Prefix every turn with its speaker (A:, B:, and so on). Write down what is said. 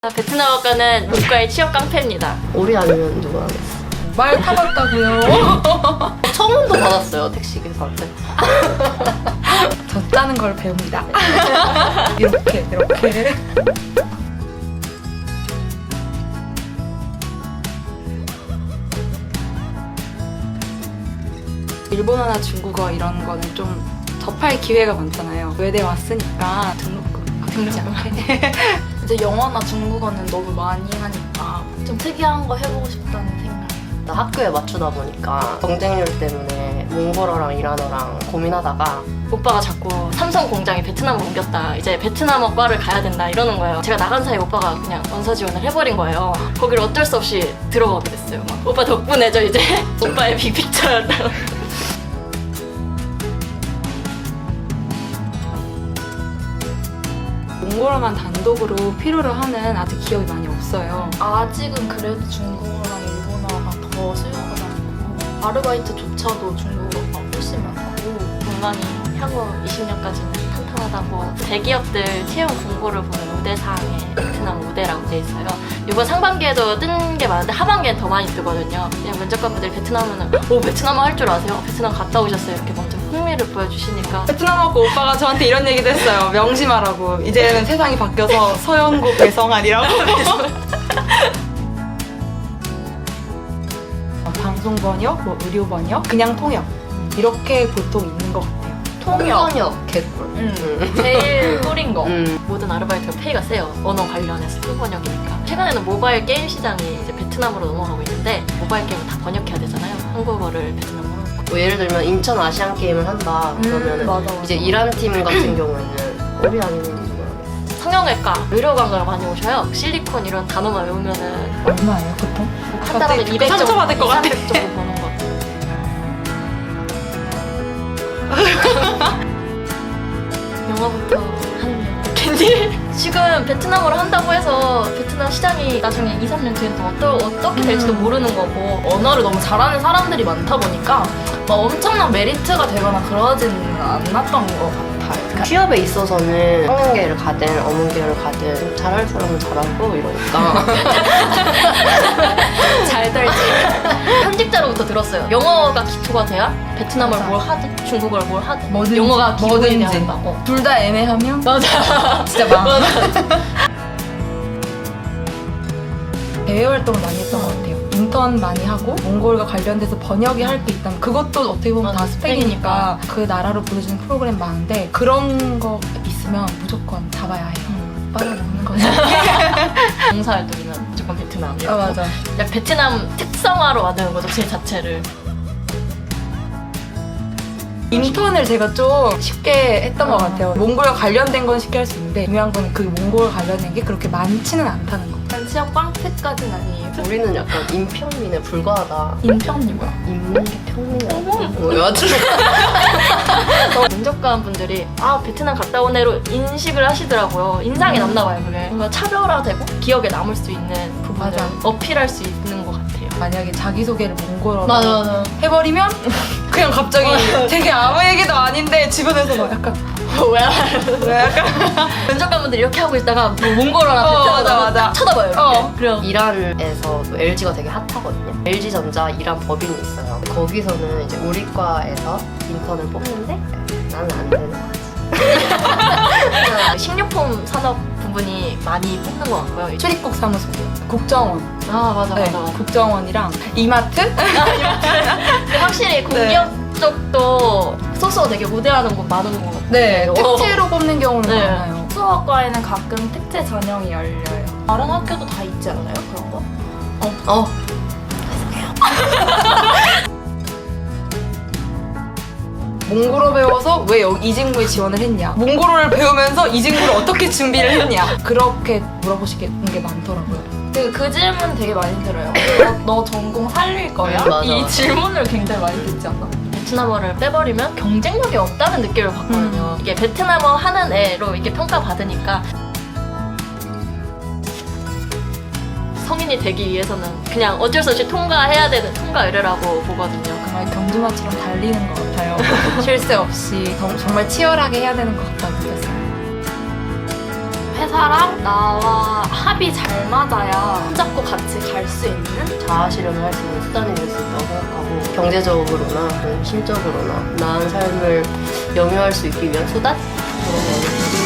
A: 베트남어과는 문과의 취업 깡패입니다.
B: 우리 아니면 누가 하겠어?
C: 말 타봤다고요?
B: 청혼도 받았어요, 택시기사한테.
C: 저 짜는 걸 배웁니다. 이렇게. 일본어나 중국어 이런 거는 좀 접할 기회가 많잖아요. 외대 왔으니까 등록금 아끼지 않게.
D: 이제 영어나 중국어는 너무 많이 하니까 좀 특이한 거 해보고 싶다는 생각.
B: 나 학교에 맞추다 보니까 경쟁률 때문에 몽골어랑 이란어랑 고민하다가
A: 오빠가 자꾸 삼성 공장이 베트남으로 옮겼다. 이제 베트남어과를 가야 된다 이러는 거예요. 제가 나간 사이에 오빠가 그냥 원서 지원을 해버린 거예요. 거기를 어쩔 수 없이 들어가게 됐어요. 막. 오빠 덕분에 저 이제 오빠의 빅픽처였다.
C: 몽골어만 단독으로 필요로 하는 아직 기업이 많이 없어요.
D: 아직은 그래도 중국어랑 일본어가 더 수요가 많고 아르바이트조차도 중국어가 훨씬 많고
A: 공간이 향후 20년까지는 탄탄하다고 대기업들 채용 공고를 보면 우대사항에 베트남 우대라고 돼 있어요. 이번 상반기에도 뜬 게 많은데 하반기엔 더 많이 뜨거든요. 그냥 면접관분들이 베트남어는 베트남어 할 줄 아세요? 베트남 갔다 오셨어요? 이렇게 먼저 흥미를 보여주시니까
C: 베트남 오고 오빠가 저한테 이런 얘기도 했어요. 명심하라고. 이제는 세상이 바뀌어서 서영국 배성환이라고. 방송 번역, 의료 번역, 그냥 통역 이렇게 보통 있는 것 같아요.
B: 통번역 개꿀.
A: 제일 꿀인 거.
B: 음.
A: 모든 아르바이트가 페이가 세요. 언어 관련해서 통번역이니까. 최근에는 모바일 게임 시장이 이제 베트남으로 넘어가고 있는데 모바일 게임을 다 번역해야 되잖아요. 한국어를 베트남어로.
B: 뭐 예를 들면 인천 아시안 게임을 한다 그러면은
D: 맞아.
B: 이제 이란 팀 같은 경우에는 우리 아니면 누가 하겠어?
A: 성형외과, 의료관광을 많이 오셔요. 실리콘 이런 단어만 외우면은
C: 얼마예요, 보통?
A: 한 달에 200 정도,
C: 상처받을 것 같아.
A: 300 정도 버는 것 같아요. 영어부터 하는 캔디. 지금 베트남어를 한다고 해서 베트남 시장이 나중에 2, 3년 뒤엔 또 어떻게 될지도 모르는 거고
D: 언어를 너무 잘하는 사람들이 많다 보니까 막 엄청난 메리트가 되거나 그러지는 않았던 것 같아요.
B: 취업에 있어서는 성형계를 가든 어문계를 가든 잘할 사람은 잘하고 이러니까
A: 잘 될지. 현직자로부터 들었어요. 영어가 기초가 돼야 베트남어를
D: 맞아.
A: 뭘 하든 중국어를 뭘 하든
C: 뭐든지,
A: 영어가 기본이 돼야
C: 뭐든지.
A: 한다.
C: 둘 다 애매하면
A: 맞아.
C: 진짜 망. 대외 활동을 많이 했던 것 같아요. 인턴 많이 하고 몽골과 관련돼서 번역이 할 게 있다면 그것도 어떻게 보면 다
A: 맞아,
C: 스펙이니까 그 나라로 보내주는 프로그램 많은데 그런 거 있으면 무조건 잡아야 해요. 빨아먹는 거죠.
A: 봉사활동이면 무조건 베트남이에요.
C: 아 맞아.
A: 그냥 베트남 특성화로 만드는 거죠, 제 자체를.
C: 인턴을 제가 좀 쉽게 했던 것 같아요. 몽골과 관련된 건 쉽게 할 수 있는데 중요한 건 그 몽골과 관련된 게 그렇게 많지는 않다는 거.
D: 취업 깡패까지는 아니에요.
B: 우리는 약간 인평민에 불과하다.
D: 인편이 뭐야?
B: 인문계 평민이라고? 뭐 여하튼
A: 면접관 분들이 베트남 갔다 온 애로 인식을 하시더라고요. 인상이 남나 봐요, 그게. 뭔가 차별화되고 기억에 남을 수 있는 부분을
C: 맞아.
A: 어필할 수 있는 것 같아요.
C: 만약에 자기소개를 몽골어로
D: 맞아.
C: 해버리면 그냥 갑자기 되게 아무 얘기도 아닌데 주변에서 막 약간
A: 왜 약간 면접관 분들이 이렇게 하고 있다가 뭐 몽골어나 베트남어나
C: 맞아.
A: 딱 쳐다봐요. 이렇게. 그럼
B: 이란에서 또 LG가 되게 핫하거든요. LG전자 이란 법인이 있어요. 거기서는 이제 우리 과에서 인턴을 뽑는데 나는 안 되는 거지.
A: 식료품 산업 부분이 많이 뽑는 것 같고요.
C: 출입국 사무소, 국정원,
A: 맞아.
C: 국정원이랑 이마트?
A: 근데 확실히 공기업 쪽도 소스가 되게 우대하는 곳 많은 것 같아요.
C: 네, 특채로 뽑는 경우는
A: 네.
C: 많아요.
D: 수학과에는 가끔 특채 전형이 열려요. 다른 학교도 다 있지 않아요? 그런 거?
C: 몽골어 배워서 왜 이직무에 지원을 했냐? 몽골어를 배우면서 이직무를 어떻게 준비를 했냐? 그렇게 물어보시는 게 많더라고요.
D: 그 질문 되게 많이 들어요. 너 전공 살릴 거야?
B: 맞아,
D: 이
B: 맞아.
D: 질문을 굉장히 많이 듣지 않나?
A: 베트남어를 빼버리면 경쟁력이 없다는 느낌을 받거든요. 이게 베트남어 하는 애로 이렇게 평가받으니까 성인이 되기 위해서는 그냥 어쩔 수 없이 통과해야 되는 통과 의뢰라고 보거든요.
C: 정말 경주마처럼 달리는 것 같아요. 쉴 새 없이 정말 치열하게 해야 되는 것 같다고 느꼈어요.
D: 회사랑 나와 합이 잘 맞아야 손잡고 같이 갈 수 있는
B: 자아실현을 할 수 있는 수단이 될 수 있다고 생각하고 경제적으로나 심적으로나 나은 삶을 영위할 수 있기 위한 수단? 그런 거는